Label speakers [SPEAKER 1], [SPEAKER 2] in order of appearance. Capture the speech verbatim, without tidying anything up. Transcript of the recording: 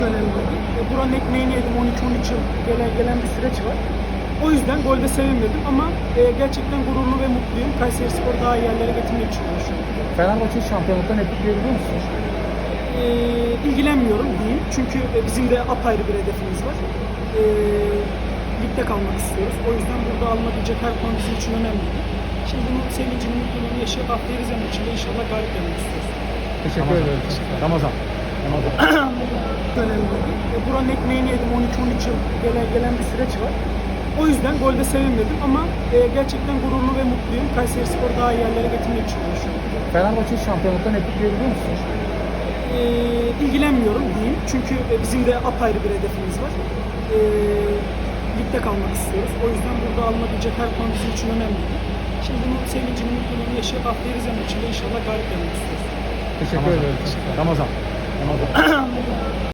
[SPEAKER 1] önemliydi. E, buranın ekmeğini yedim. on iki on üç yıl gelen, gelen bir süreç var. O yüzden golde sevinmedim ama e, gerçekten gururlu ve mutluyum. Kayserispor daha iyi yerlere getirmek için uğraşıyorum.
[SPEAKER 2] Fenerbahçe şampiyonluktan etkileyebiliyor musunuz?
[SPEAKER 1] E, ilgilenmiyorum diyeyim. Çünkü e, bizim de apayrı bir hedefimiz var. E, ligde kalmak istiyoruz. O yüzden burada alınabilecek her puan bizim için önemli. Şimdi bunun sevincini, mutluluğunu yaşayıp haftaya Rize maçında inşallah galip gelmek istiyoruz.
[SPEAKER 2] Teşekkür ederim. Ramazan. Ramazan.
[SPEAKER 1] Önemliydi. E, buranın ekmeğini yedim. on iki on üç yıl gelen, gelen bir süreç var. O yüzden golde sevinmedim ama e, gerçekten gururlu ve mutluyum. Kayserispor daha iyi yerlere getirmek için uğraşıyorum.
[SPEAKER 2] Fenerbahçe şampiyonluktan etkileyebiliyor musunuz?
[SPEAKER 1] E, ilgilenmiyorum diyeyim. Çünkü e, bizim de apayrı bir hedefimiz var. E, ligde kalmak istiyoruz. O yüzden burada alınabilecek her puan bizim için önemli. Şimdi bunun sevincini, mutluluğunu yaşayıp haftaya Rize maçında inşallah galip gelmek istiyoruz.
[SPEAKER 2] Teşekkür ederim. Ramazan. Ramazan.